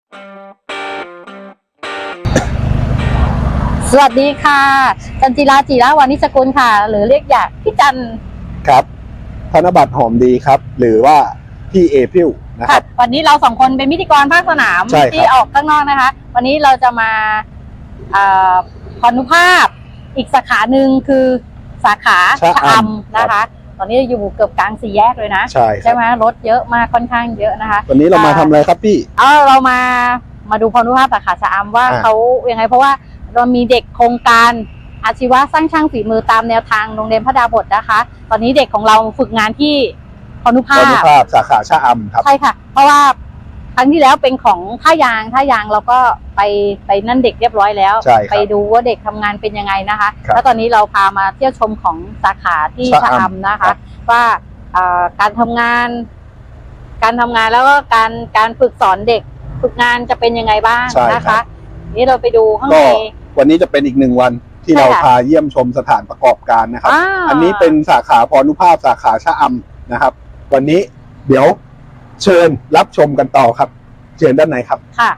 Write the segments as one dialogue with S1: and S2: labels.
S1: สวัสดีค่ะจันจิราจิระวานิชกุลค่ะหรือเรียกอยากพี่จัน
S2: ครับธนบัตรหอมดีครับ หรือว่าพี่เอพิวนะครับ
S1: วันนี้เราสองคนเป็นพิธีกรภาคสนามที่ออกข้างนอกนะคะวันนี้เราจะมาพานุภาพอีกสาขาหนึ่งคือสาขาชะอำนะคะตอนนี้อยู่เกือบกลางสี่แยกเลยนะใช่ไหมรถเยอะมากค่อนข้างเยอะนะคะ
S2: วันนี้เรามาทำอะไรครับพี่
S1: เรามาดูพานุภาพสาขาชะอำว่าเขายังไงเพราะว่าเรามีเด็กโครงการอาชีวะสร้างช่างฝีมือตามแนวทางโรงเรียนพระดาบทนะคะตอนนี้เด็กของเราฝึกงานที่พานุภาพ
S2: สาขาชะอำครับ
S1: ใช่ค่ะเพราะว่าครั้งที่แล้วเป็นของท่ายางเราก็ไปนั่นเด็กเรียบร้อยแล้วไปดูว่าเด็กทำงานเป็นยังไงนะคะแล้วตอนนี้เราพามาเที่ยวชมของสาขาที่ชะอำนะคะว่าการทำงานแล้วก็การฝึกสอนเด็กฝึกงานจะเป็นยังไงบ้างนะคะนี่เราไปดูข้างใน
S2: วันนี้จะเป็นอีกหนึ่งวันที่เราพาเยี่ยมชมสถานประกอบการนะครับอันนี้เป็นสาขาพานุภาพสาขาชะอำนะครับวันนี้เดี๋ยวเชิญรับชมกันต่อครับเชิญด้านในครับค่ะ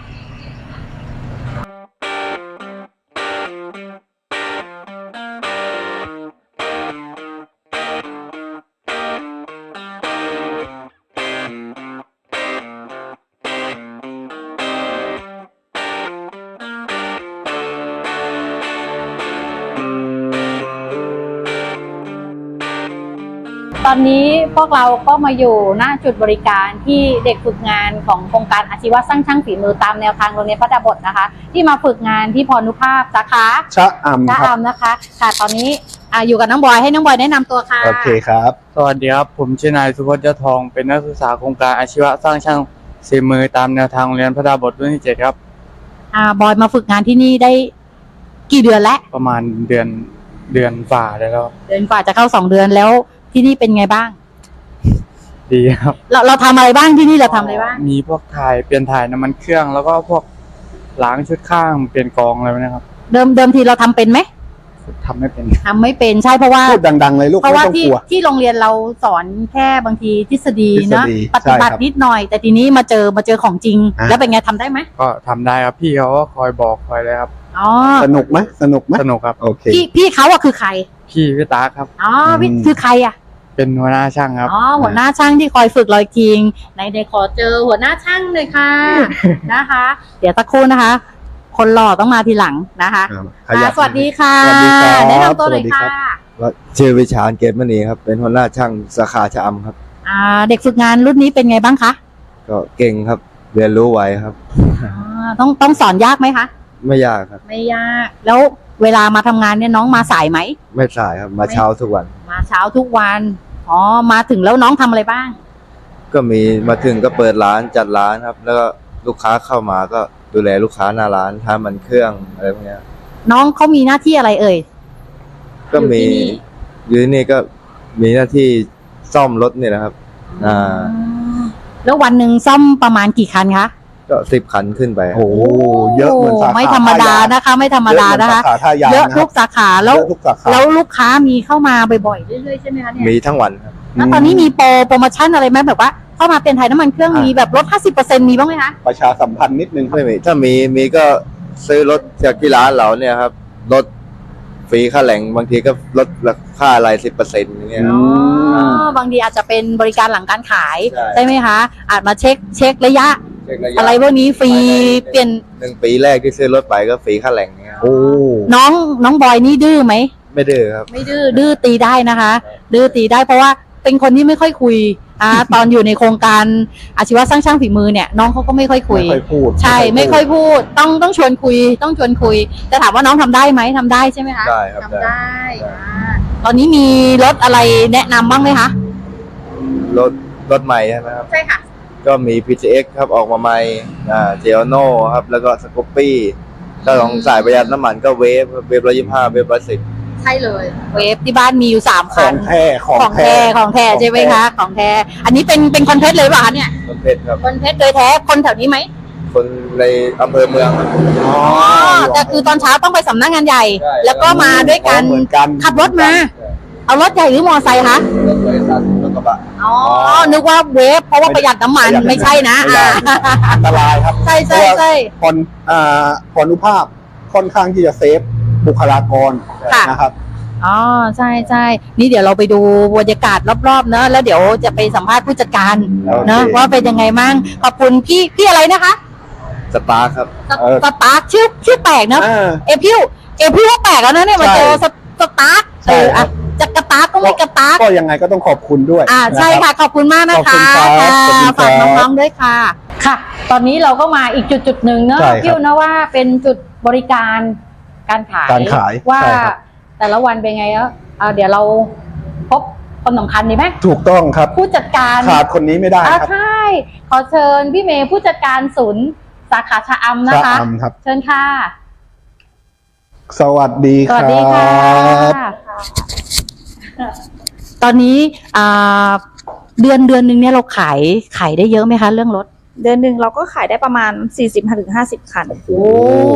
S1: ตอนนี้พวกเราก็มาอยู่หน้าจุดบริการที่เด็กฝึกงานของโครงการอาชีวะสร้างช่างฝีมือตามแนวทางโรงเรียนพระดาบทนะคะที่มาฝึกงานที่พานุภาพสาขา
S2: ชะอำ
S1: นะคะค่ะตอนนี้อยู่กับน้องบอยให้น้องบอยแนะนำตัวค่ะ
S2: โอเคครับ
S3: สวัสดีครับผมชื่อนายสุพจน์ยอดทองเป็นนักศึกษาโครงการอาชีวะสร้างช่างฝีมือตามแนวทางโรงเรียนพระดาบทรุ่นที่7ครับ
S1: บอยมาฝึกงานที่นี่ได้กี่เดือนแล้ว
S3: ประมาณเดือนฝ่าได้แล้ว
S1: เดือนฝ่าจะเข้า2 เดือนแล้วที่นี่เป็นไงบ้าง
S3: ดีครับ
S1: เราทำอะไรบ้างที่นี่เราทำอะไรบ้าง
S3: มีพวกเปลี่ยนถ่ายน้ำมันเครื่องแล้วก็พวกล้างชุดข้างเปลี่ยนกองอะไรนะครับ
S1: เดิมทีเราทำเป็นไหม
S3: ทำไม่
S1: เป็นใช่เพราะว่า
S2: พูดดังๆเลยลูก
S1: เพราะว่าที่โรงเรียนเราสอนแค่บางทีทฤษฎีนะปฏิบัตินิดหน่อยแต่ทีนี้มาเจอของจริงแล้วเป็นไงทำได้ไหม
S3: ก็ทำได้ครับพี่เขาก็คอยบอกคอยเลยครับ
S2: สนุกไหมสนุก
S3: ครับ
S2: โอเค
S1: พี่เขาคือใคร
S3: พี่ตาครับ
S1: พี่คือใคร
S3: เป็นหัวหน้าช่างครับ
S1: หัวหน้าช่างที่คอยฝึกเราจริงในขอเจอหัวหน้าช่างเลยค่ะ นะคะเดี๋ยวสักครู่นะคะคนหล่อต้องมาทีหลังนะคะสวัสดีค่ะแนะนำตัวเลยค่ะ
S4: ชื่อวิชาญเกตมณีครับเป็นหัวหน้าช่างสาขาชะอำครับ
S1: เด็กฝึกงานรุ่นนี้เป็นไงบ้างคะ
S4: ก็เก่งครับเรียนรู้ไวครับ
S1: ต้องสอนยากไหมคะ
S4: ไม่ยากครับ
S1: ไม่ยากแล้วเวลามาทำงานเนี่ยน้องมาสายไหม
S4: ไม่สายครับมาเช้าทุกวัน
S1: มาถึงแล้วน้องทำอะไรบ้าง
S4: ก็มีมาถึงก็เปิดร้านจัดร้านครับแล้วก็ลูกค้าเข้ามาก็ดูแลลูกค้าหน้าร้านทำมันเครื่องอะไรพวกนี้
S1: น้องเขามีหน้าที่อะไรเอ่ย
S4: ก็มีอยู่ที่นี่ก็มีหน้าที่ซ่อมรถนี่นะครับ
S1: แล้ววันหนึ่งซ่อมประมาณกี่คันคะ
S4: ก็10 คันขึ้นไป
S2: โอ้เยอะเหมือนสาขา
S1: ไม่ธรรมดานะคะไม่ธรรมดานะคะเยอะทุกสาขาแล้วลูกค้ามีเข้ามาบ่อยๆเรื่อยๆใช่ไหมคะเนี่ย
S4: มีทั้งวันครับ
S1: แล้วตอนนี้มีโปรโมชั่นอะไรไหมแบบว่าเข้ามาเป็นไทยน้ำมันเครื่องมีแบบลด 50% มีบ้างไหมคะ
S2: ประชาสัมพันธ์นิดนึง
S4: ไม่มีถ้ามีก็ซื้อรถจากที่ร้านเราเนี่ยครับลดฟรีค่าแรงบางทีก็ลดค่าอะไร 10% อย่างเงี้ย
S1: บางทีอาจจะเป็นบริการหลังการขายใช่ไหมคะอาจมาเช็คระยะอะไรพวกนี้ฟรีเปลี่ยน
S4: 1 ปีแรกที่ซื้อรถไปก็ฟรีค่าแรงเนี่ย
S1: น้องบอยนี่ดื้อไหม
S4: ไม่ดื้อครับ
S1: ไม่ดื้อตีได้นะคะดื้อตีได้เพราะว่าเป็นคนที่ไม่ค่อยคุยตอนอยู่ในโครงการอาชีวะสร้างช่างฝีมือเนี่ยน้องเขาก็ไม่ค่อยคุยใช่ไม่ค่อยพูดต้องชวนคุยแต่ถามว่าน้องทำได้ไหมทำได้ใช่ไหมคะ
S4: ได้ครับ
S1: ทำได้ตอนนี้มีรถอะไรแนะนำบ้างไหมคะ
S4: รถใหม่ใช่ไหมครับ
S1: ใช่ค่ะ
S4: ก็มี PTX ครับออกมาใหม่เจโอโน่ครับแล้วก็สกูปปี้ถ้าลองสายประหยัดน้ำมันก็เวฟ125เวฟ110
S1: ใช่เลยเวฟที่บ้านมีอยู่3 คัน
S2: ของแท้
S1: ใช่ไหมคะของแท้อันนี้เป็นคอนเทนต์เลยป่ะคะเนี่ย
S4: คอนเทนต์ครับ
S1: คอนเทนต์โดยแท้คนแถวนี้ไหม
S4: คนในอำเภอเมืองครับ
S1: แต่คือตอนเช้าต้องไปสำนักงานใหญ่แล้วก็มาด้วยกันขับรถมาเอารถใหญ่หรือมอไซค์คะ
S4: รถบริษัทแล้วก็กระบะ
S1: อ๋อ นึกว่าเวฟเพราะว่าประหยัดน้ำมันไม่ใช่นะ
S2: ไม่ได้อันตรายครับ
S1: ใช่ใช่ใช่
S2: พรพรนุภาพค่อนข้างที่จะเซฟบุคลากร
S1: ค่ะ
S2: นะครับ
S1: อ๋อใช่ใช่นี่เดี๋ยวเราไปดูบรรยากาศรอบๆเนอะแล้วเดี๋ยวจะไปสัมภาษณ์ผู้จัดการ
S2: โอเค
S1: เนอะว่าเป็นยังไงมั่งขอบคุณพี่อะไรนะคะ
S4: สตาร์ครับ
S1: สตาร์คชื่อแปลกเนอะ เอพิวว่าแปลกแล้วนะเนี่ยมาเจอสตาร์ค
S2: ใช่ครับ
S1: จะกระตาร์คก็ไม่กระตาร์ค
S2: ก็ยังไงก็ต้องขอบคุณด้วย
S1: ใช่ค่ะขอบคุณมากนะคะ
S2: ขอบคุณครับขอบคุณครับ
S1: ฝากน้องๆด้วยค่ะ ค่ะ ตอนนี้เราก็มาอีกจุดหนึ่งเนอะ
S2: ใช่ครับ
S1: พี่นะว่าเป็นจุดบริการการขาย
S2: การขาย
S1: ว่า
S2: ใช่ครับ
S1: แต่ละวันเป็นไงแล้วเดี๋ยวเราพบคนสำคัญดีไหม
S2: ถูกต้องครับ
S1: ผู้จัดการ
S2: ขาดคนนี้ไม่ได้ครับ
S1: ใช่ขอเชิญพี่เมย์ผู้จัดการศูนย์สาขาชะอำนะคะ
S2: ชะอำครับ
S1: เชิญค่ะ
S2: สวัสดี
S1: ส
S2: ค
S1: วั
S2: รั
S1: สดีค่ะ
S2: บ
S1: ตอนนี้เดือนหนึ่งเนี่ยเราขายได้เยอะไหมคะเรื่องรถ
S5: เดือนหนึ่งเราก็ขายได้ประมาณ 40-50 คัน
S1: โอ้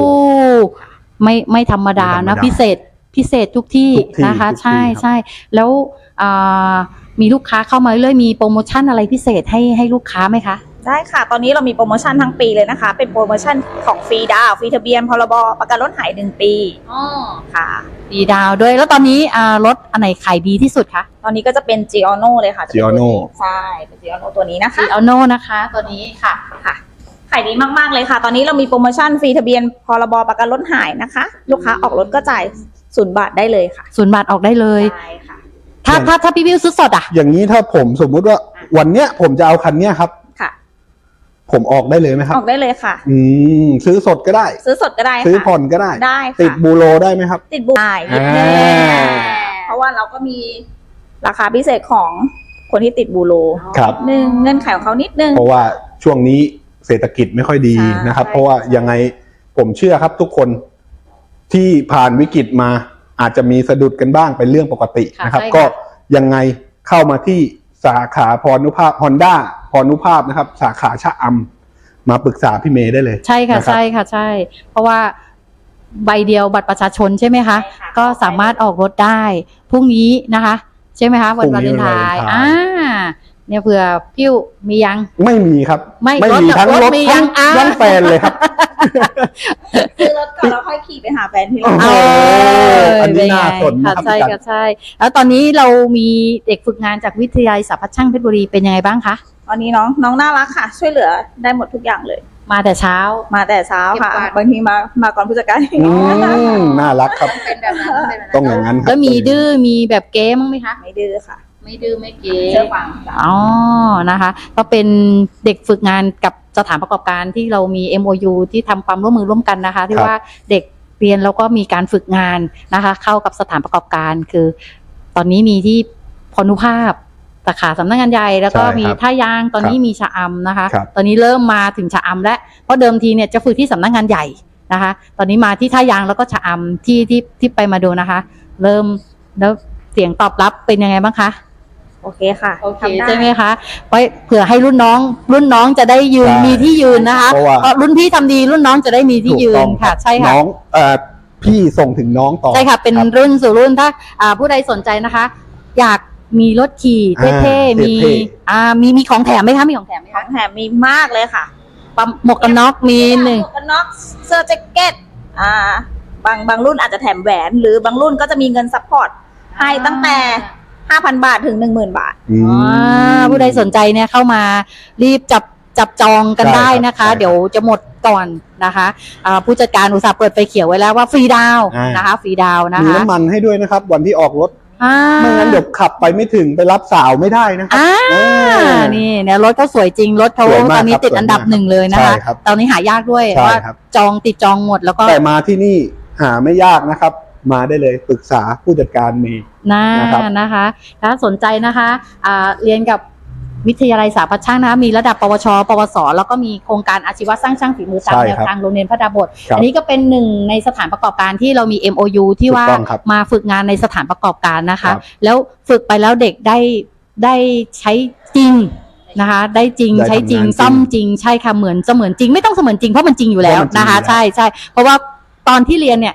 S1: ไม่ธรรมดา
S2: ไม่ธรรม
S1: นะ
S2: ดา
S1: พิเศษทุกที่
S2: ทุกที่
S1: นะคะ
S2: ทุกที่
S1: ใช่
S2: ครับ
S1: ใช่แล้วมีลูกค้าเข้ามาเรื่อยๆมีโปรโมชั่นอะไรพิเศษให้ลูกค้าไหมคะ
S5: ได้ค่ะ ตอนนี้เรามีโปรโมชั่นทั้งปีเลยนะคะ เป็นโปรโมชั่นของฟรีดาวน์ฟรีทะเบียนพรบประกันรถหาย1 ปีค่ะ
S1: ปีดาวด้วยแล้วตอนนี้รถอันไหนขายดีที่สุดคะ
S5: ตอนนี้ก็จะเป็น Giorno เลยค่ะจะเป็นตัว
S2: Giorno
S5: นี้ใช่เป็น Giorno ตัวนี้นะคะ
S1: ซีอโนนะคะตัวนี้ค่ะ
S5: ค่ะขายดีมากๆเลยค่ะ ตอนนี้เรามีโปรโมชั่นฟรีทะเบียนพรบประกันรถหายนะคะ ลูกค้าออกรถก็จ่าย0 บาทได้เลยค่ะ
S1: 0 บาทออกได้เลย
S5: ใช่ค่ะ
S1: ถ้าพี่วิวซื้อสดอ่ะ
S2: อย่างนี้ถ้าผมสมมุติว่าวันเนี้ยผมจะเอาคันเนี้ยครับ
S5: ค่ะ
S2: ผมออกได้เลยไหมครั
S5: อบ อกได้เลยค่ะ
S2: ซื้อสดก็ได้
S5: ซื้อสดก็ได้ค่ะ
S2: ซื้อผ่อนก็ได้
S5: ได้ค่ะ
S2: ติดบูโรได้ไหมครับ
S5: ติดบุได้นิดนึง
S2: อ่า
S5: เพราะว่าเราก็มีราคาพิเศษของคนที่ติดบูโร
S2: ครับ
S5: หนึ่งเงื่อนไขของเขานิดนึง
S2: เพราะว่าช่วงนี้เศรษฐกิจไม่ค่อยดี
S5: ใช่
S2: นะครับ
S5: ใช่
S2: เพราะว่ายังไงผมเชื่อครับทุกคนที่ผ่านวิกฤตมาอาจจะมีสะดุดกันบ้างเป็นเรื่องปกติ
S1: ค่ะ
S2: นะครับ
S1: ใช่ค่ะ
S2: ก็ยังไงเข้ามาที่สาขาพรนุภาพ Honda พรนุภาพนะครับ สาขาชะอำมาปรึกษาพี่เมย์ได้เลย
S1: ใช่ค่ะ
S2: นรับ
S1: ใช่ค่ะใช่ เพราะว่าใบเดียวบัตรประชาชนใช่ไหมคะ
S5: ใช่ค่ะ
S1: ก็สามารถออกรถได้พรุ่งนี้นะคะ ใช่ไหมคะวันวาเลนไทน์เนี่ยเผื่อพิ้วมียัง
S2: ไม่มีครับ
S1: ไม่
S2: มีทั้ง
S1: รถ
S2: รถ
S1: มี
S2: ทั้
S1: ยัง งอ่า
S2: ทั้งแฟนเลยครับ
S5: ซื้อรถก่อนแล้วค่อยขี่ไปหาแฟนที่
S2: โอ้
S5: ร้าน
S2: โห อันนี้น่าสน
S1: ค่ะ
S2: นะครับ
S1: ใช่
S2: พี่กั
S1: ค่ะ
S2: น
S1: ใช่ แล้วตอนนี้เรามีเด็กฝึกงานจากวิทยาลัยสาพัฒน์ช่างเพชรบุรีเป็นยังไงบ้างคะ
S5: ตอนนี้น้องน่ารักค่ะ ช่วยเหลือได้หมดทุกอย่างเลย
S1: มาแต่เช้า
S5: มาแต่เช้าค่ะ
S1: เก็บกวาด
S5: บางทีมาก่อนผู้จัดการ
S2: น่ารักครับ
S1: เป็นแบบนั้น
S2: ต้องอย่างนั้นครับ
S1: แล้วมีดื้อมีแบบเก๊มั้งไหมคะ
S5: ไม่ดื้อค่ะ
S1: ไม่ดื้อไม่เก๊
S5: เชื่อฟังจ้ะ
S1: อ๋อ นะคะ ก็เป็นเด็กฝึกงานกับสถานประกอบการที่เรามี MOU ที่ทำความร่วมมือร่วมกันนะคะ ที่
S2: ครับ
S1: ว่าเด็กเรียนแล้วก็มีการฝึกงานนะคะ เข้ากับสถานประกอบการคือ ตอนนี้มีที่พรนุภาพสาขาสำนักงานใหญ่แล้วก็
S2: ใช่ครับ
S1: มีท่ายางตอนนี้มีชะอำนะคะ
S2: ครับ
S1: ตอนนี้เริ่มมาถึงชะอำแล้วเพราะเดิมทีเนี่ยจะฝึกที่สำนักงานใหญ่นะคะ ตอนนี้มาที่ท่ายางแล้วก็ชะอำที่ไปมาดูนะคะ เริ่มแล้วเสียงตอบรับเป็นยังไงบ้างคะ
S5: โอเคค่ะ
S1: โอเค
S5: ทำด้
S1: ใช่ไหมคะไว้เผื่อให้รุ่นน้องจะได้ยืน
S2: ใช่
S1: มีที่ยืนนะคะ
S2: เพราะว่า
S1: รุ่นพี่ทำดีรุ่นน้องจะได้มีที่ยืน
S2: ถูกต้อง
S1: ค่ะ
S2: รับ
S1: ใช่ค่ะ
S2: น้องพี่ส่งถึงน้องต่อ
S1: ใช่ค่ะ เป็น
S2: รับ
S1: รุ่นสู่รุ่นถ้าผู้ใดสนใจนะคะ อยากมีรถขี่เท่ๆ
S2: เท่
S1: มี
S2: ๆ
S1: มีของแถมไหมคะมีของแถมไหม
S5: ขอ
S1: คะ
S5: งแถมมีมากเลยค่ะ
S1: ปั๊มหมวกกันน็อกมีหนึ่ง
S5: หมวกกันน็อกเสื้อแจ็คเก็ตบางรุ่นอาจจะแถมแหวน หรือบางรุ่นก็จะมีเงินซัพพอร์ตให้ตั้งแต่ 5,000 บาทถึง 10,000 บาท
S2: อืม
S1: ผู้ใดสนใจเนี่ยเข้ามารีบจับจองกัน
S2: ใช่
S1: ได้
S2: ครับ
S1: นะคะ
S2: ใช่ครับ
S1: เดี๋ยวจะหมดก่อนนะคะผู้จัดการอุตสาห์เปิดไฟเขียวไว้แล้วว่าฟรีดาวน์
S2: อ่าน
S1: นะคะฟรีดาวน์นะ
S2: มี
S1: คะ
S2: น้ำมันให้ด้วยนะครับ วันที่ออกรถ
S1: อ่า
S2: ไม่งั้นเดี๋ยวขับไปไม่ถึงไปรับสาวไม่ได้นะครับ
S1: นี่เนี่ยรถเขาสวยจริงรถเขา
S2: สวยมาก
S1: ตอนนี้
S2: ครับ
S1: ติดอันดับ
S2: สวยมาก
S1: หนึ่งเลยนะคะ
S2: ใช่ครับ
S1: ตอนนี้หายากด้วย
S2: ใช่
S1: ว่า
S2: ครับ
S1: จองหมดแล้วก็
S2: แต่มาที่นี่หาไม่ยากนะครับ มาได้เลยปรึกษาผู้จัดการเมย์ นะครับ
S1: นะคะถ้าสนใจนะคะเรียนกับวิทยาลัยสาพัฒน์ช่างนะคะมีระดับปวช ปวส แล้วก็มีโครงการอาชีวะสร้างช่างฝีมือตาม
S2: ใช่
S1: แนว
S2: ครับ
S1: ทางโรงเรียนพระดาบท
S2: ครับ
S1: อันนี้ก็เป็นหนึ่งในสถานประกอบการที่เรามี MOU ที่ว่า
S2: ถูกต้องครับ
S1: มาฝึกงานในสถานประกอบการนะคะ
S2: ครับ
S1: แล้วฝึกไปแล้วเด็กได้ใช้จริงนะคะ ได้จริง
S2: ได้
S1: ใช้จริง
S2: ทำงานจริง
S1: ซ่อมจริงใช่ค่ะเหมือนเสมือนจริงไม่ต้องเสมือนจริงเพราะมันจริงอยู่แล้ว
S2: เพราะมันจริง
S1: นะคะ
S2: อยู่แล้ว
S1: ใช่เพราะว่าตอนที่เรียนเนี่ย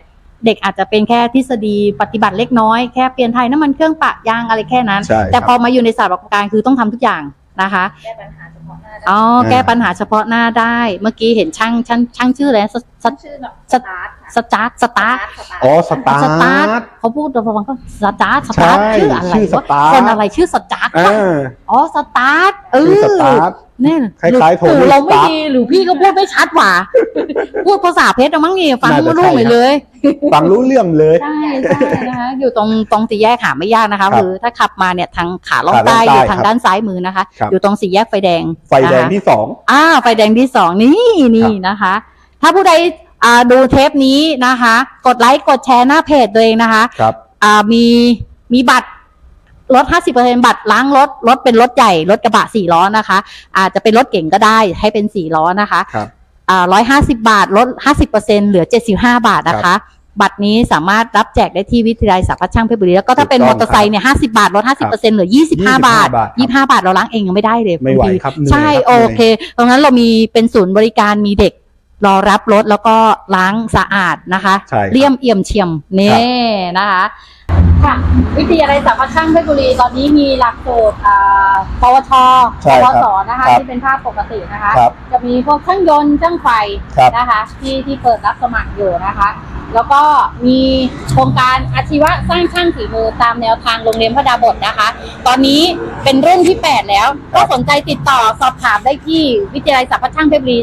S1: เด็กอาจจะเป็นแค่ทฤษฎีปฏิบัติเล็กน้อยแค่เปลี่ยนไทยน้ำมันเครื่องปะยางอะไรแค่นั้น
S2: ใช่
S1: แต่พอมาอยู่ในศาสตร์ประกอบการคือต้องทำทุกอย่างนะคะ
S5: แก้ปัญหาเฉพาะหน้าได้
S1: อ๋อแก้ปัญหาเฉพาะหน้าได้เมื่อกี้เห็นช่างชื่ออะไรนะ
S5: ชื่อแบบ
S1: สตาร์ท
S2: อ๋อสตา
S1: สตาร์
S2: ร์
S1: ท
S2: ท
S1: เขาพูดระวังก็สตาร์ท
S2: ใช่
S1: ชื่ออะไร
S2: ชื่อส
S1: วะ
S2: ตาร์ท
S1: คนอะไรชื่อสตาร์ท
S2: อ่า
S1: อ๋อสตาร์ท
S2: ชื่อสตาร์ท
S1: เนี่ย
S2: คล้ายๆโทนี่
S1: เราไม่
S2: สตาร์ท
S1: ดีหรือพี่ก็พูดไม่ชัดหว่า พูดภาษาเพชรเอามั้งนี่ฟัง
S2: น่าจะ
S1: ไม่รู้
S2: ใช่
S1: เหมือนเลย
S2: ฟังรู้เรื่องเลย
S1: ใช่นะคะอยู่ตรงสี่แยกหาไม่ยากนะคะ
S2: ครับ
S1: คือถ้าขับมาเนี่ยทางขาล่อง
S2: ขาล่อง
S1: ใต้
S2: ใต้
S1: อยู่ทาง
S2: ครับ
S1: ด้านซ้ายมือนะคะ
S2: ครับ
S1: อยู่ตรงสี่แยกไฟแดง
S2: ไฟแดง
S1: นะคะ
S2: ที่ 2
S1: ไฟแดงที่สองนี่นะคะ ถ้าผู้ใดดูเทปนี้นะคะ กดไลค์กดแชร์หน้าเพจตัวเองนะคะ
S2: ครับ
S1: มีบัตรลด 50% บัตรล้างรถเป็นรถใหญ่รถกระบะ4ล้อนะคะอาจจะเป็นรถเก่งก็ได้ให้เป็น4ล้อนะคะ
S2: ครับ
S1: 150 บาทลด 50% เหลือ 75 บาทนะคะ บัตรนี้สามารถรับแจกได้ที่วิทยาลัยสาขาช่างเพชรบุรีแล้วก็ถ้าเป็น
S2: ถูก
S1: ม
S2: ต้
S1: อ
S2: อง
S1: เตอร์ไซค์เนี่ย50 บาทลด 50% เหลือ 25 บาท
S2: บาทครับ
S1: 25 บาทเราล้างเองยังไม่ได้เลย
S2: ไม่ไหว
S1: บางที
S2: ครับเหนื่อย
S1: ใช่
S2: ครับ
S1: โอเคตรงนั้นเรามีเป็นศูนย์บริการมีเด็กรอรับรถแล้วก็ล้างสะอาดนะคะ
S2: ใช่ครับ
S1: เลี่ยมเอี่ยมเฉียมนี่นะคะค่ะวิทยาลัยสาขาช่างเพชรบุรีตอนนี้มีหลักสูตรปวช
S2: ใช่
S1: ป
S2: ครับ
S1: วสนะคะ
S2: ครับ
S1: ที่เป็นภาพปกตินะคะ
S2: ครับ
S1: จะมีพวกช่างยนต์ช่างไฟ
S2: ครับ
S1: นะคะที่เปิดรับสมัครอยู่นะคะ แล้วก็มีโครงการอาชีวะสร้างช่างฝีมือตามแนวทางโรงเรียนพระดาบทนะคะ ตอนนี้เป็นรุ่นที่ 8 แล้ว ก็สนใจติดต่อสอบถามได้ที่วิทยาลัยสาขาช่างเพชรบุรี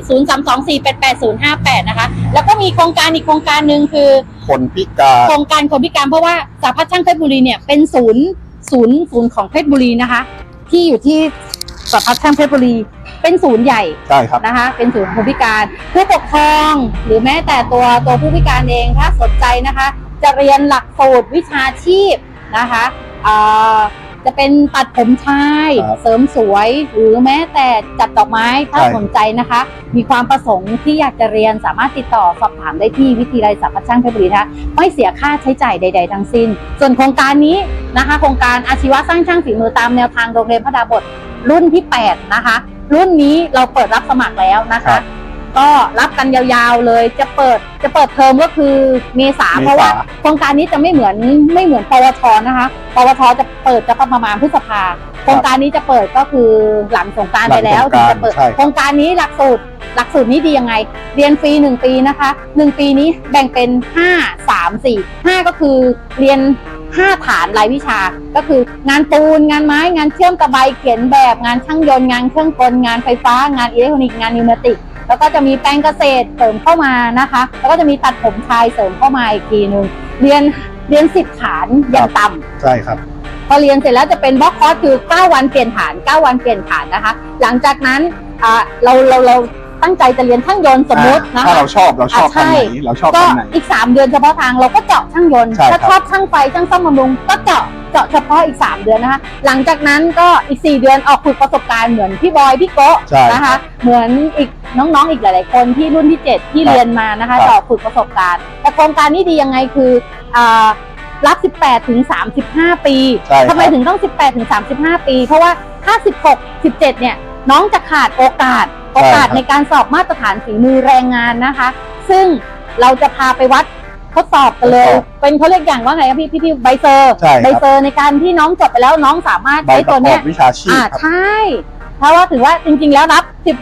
S1: 0324888058 นะคะ แล้วก็มีโครงการอีกโครงการหนึ่งคือ
S2: คนพิการ
S1: โครงการคนพิการเพราะว่าสาขาช่างเพชรบุรีเนี่ยเป็นศูนย์ของเพชรบุรีนะคะ ที่อยู่ที่สาขาช่างเพชรบุรีเป็นศูนย์ใหญ่
S2: ใช่ครับ
S1: นะคะเป็นศูนย์คนพิการผู้ปกครองหรือแม้แต่ตัวผู้พิการเองถ้าสนใจนะคะ จะเรียนหลักสูตรวิชาชีพนะคะจะเป็นตัดผมชาย
S2: ครับ
S1: เสริมสวยหรือแม้แต่จัดดอกไม้ถ้า
S2: ใช่
S1: สนใจนะคะ มีความประสงค์ที่อยากจะเรียนสามารถติดต่อสอบถามได้ที่วิทยาลัยสาขาช่างเพชรบุรีนะคะไม่เสียค่าใช้จ่ายใด ๆ ทั้งสิ้น ส่วนโครงการนี้นะคะโครงการอาชีวะสร้างช่างฝีมือตามแนวทางโรงเรียนพระดาบทรุ่นที่ 8 นะคะ รุ่นนี้เราเปิดรับสมัครแล้วนะ
S2: ครั
S1: คะ
S2: บ
S1: ก็รับกันยาวๆเลยจะเปิดเทอมก็คือเมษาเพราะว่าโครงการนี้จะไม่เหมือนปวชนะคะปวชจะเปิดจะประมาณพฤษภาโครงการนี้จะเปิดก็คือหลังสงกรานต์ไปแล้วถึงจะเปิด
S2: ใช่ครับ
S1: โครงการนี้หลักสูตรนี้ดียังไง เรียนฟรี1 ปีนะคะ1 ปีนี้แบ่งเป็น5 3 4 5ก็คือเรียน5 ฐานรายวิชาก็คืองานปูนงานไม้งานเชื่อมตะไบเขียนแบบงานช่างยนต์งานเครื่องกลงานไฟฟ้างานอิเล็กทรอนิกส์งานนิวเมติกแล้วก็จะมีแปลงเกษตรเสริมเข้ามานะคะแล้วก็จะมีตัดผมชายเสริมเข้ามาอีกทีนึงเรียน10 ฐานอย่างต่ำ
S2: ใช่ครับ
S1: พอเรียนเสร็จแล้วจะเป็นบล็อกคอร์สคือ9 วันเปลี่ยนฐาน9 วันเปลี่ยนฐานนะคะ หลังจากนั้นเราตั้งใจจะเรียนช่างยนต์สมมตินะ
S2: ถ้า
S1: คะ
S2: เราชอบทางไหนเราชอบ
S1: ก็
S2: ทางไหน
S1: อีก3 เดือนเฉพาะทางเราก็เจาะช่างยนต์
S2: ใช่ครับ
S1: ถ้าชอบช่างไฟช่างซ่อมบำรุงก็เจาะเฉพาะอีก3 เดือนนะคะ หลังจากนั้นก็อีก4 เดือนออกฝึกประสบการณ์เหมือนพี่บอยพี่โกะ
S2: ใช่
S1: นะคะ เหมือนอีกน้องๆอีกหลายๆคนที่รุ่นที่ 7 ที่
S2: ครับ
S1: เรียนมานะคะ
S2: ครับ
S1: ต่อฝึกประสบการณ์แต่โครงการนี้ดียังไงคือรับ 18 ถึง 35 ปี
S2: ใช่ครับ
S1: ทำไมถึงต้อง 18 ถึง 35 ปี เพราะว่าถ้า 16 17 เนี่ยน้องจะขาดโอกาสในการสอบมาตรฐานฝีมือแรงงานนะคะ ซึ่งเราจะพาไปวัดทดสอบกันเลย
S2: ทดสอบ
S1: เป็นเขาเรียกอย่างว่าไงครับพี่ใบเซอร์
S2: ใช่ครับ
S1: ใบเซอร์ในการที่น้องจบไปแล้วน้องสามารถ
S2: ใบ
S1: ใช้
S2: ป
S1: ตั
S2: ระ
S1: ว
S2: กอ
S1: เนี้
S2: บ
S1: ย
S2: วิชาชีพครับ
S1: ใช่เพราะว่าถือว่าจริงๆแล้วรับ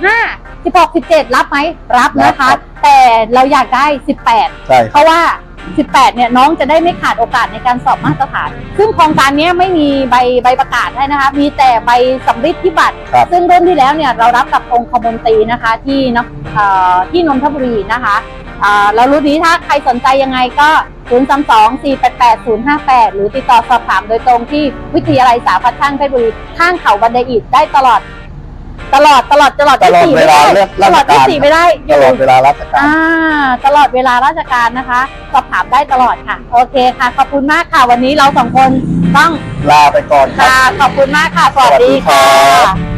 S1: 15 16 17 รับไหมรับนะ
S2: รั
S1: คะ
S2: บครับ
S1: แต่เราอยากได้ 18
S2: ใช่
S1: เพราะว่า 18 เนี่ยน้องจะได้ไม่ขาดโอกาสในการสอบมาตรฐาน ซึ่งโครงการนี้ไม่มีใบประกาศให้นะคะ มีแต่ใบสำริดที่บัตร
S2: ครับ
S1: ซึ่งรุ่นที่แล้วเนี่ยเรารับกับองคมนตรีนะคะที่นนทบุรีนะคะแล้วรุ่นนี้ถ้าใครสนใจยังไงก็ 032-488-058 หรือติดต่อสอบถามโดยตรงที่วิทยาลัยสาขาช่างเพชรบุรีข้างเขาบันไดอิฐได้ตลอด
S2: ตลอดเวลาเลือก
S1: ต
S2: รา
S1: ล
S2: ช
S1: อด
S2: การ
S1: 24ไม่ได้อ
S2: ต
S1: ยู่
S2: ลอดเวลาราชการ
S1: ตลอดเวลาราชการนะคะ สอบถามได้ตลอดค่ะ โอเคค่ะ ขอบคุณมากค่ะ วันนี้เรา2 คนต้อง
S2: ลาไปก่อนครับ
S1: ค่ะ ขอบคุณมากค่ะ สวัสดี
S2: สวัสดีครั
S1: ค่ะ
S2: บ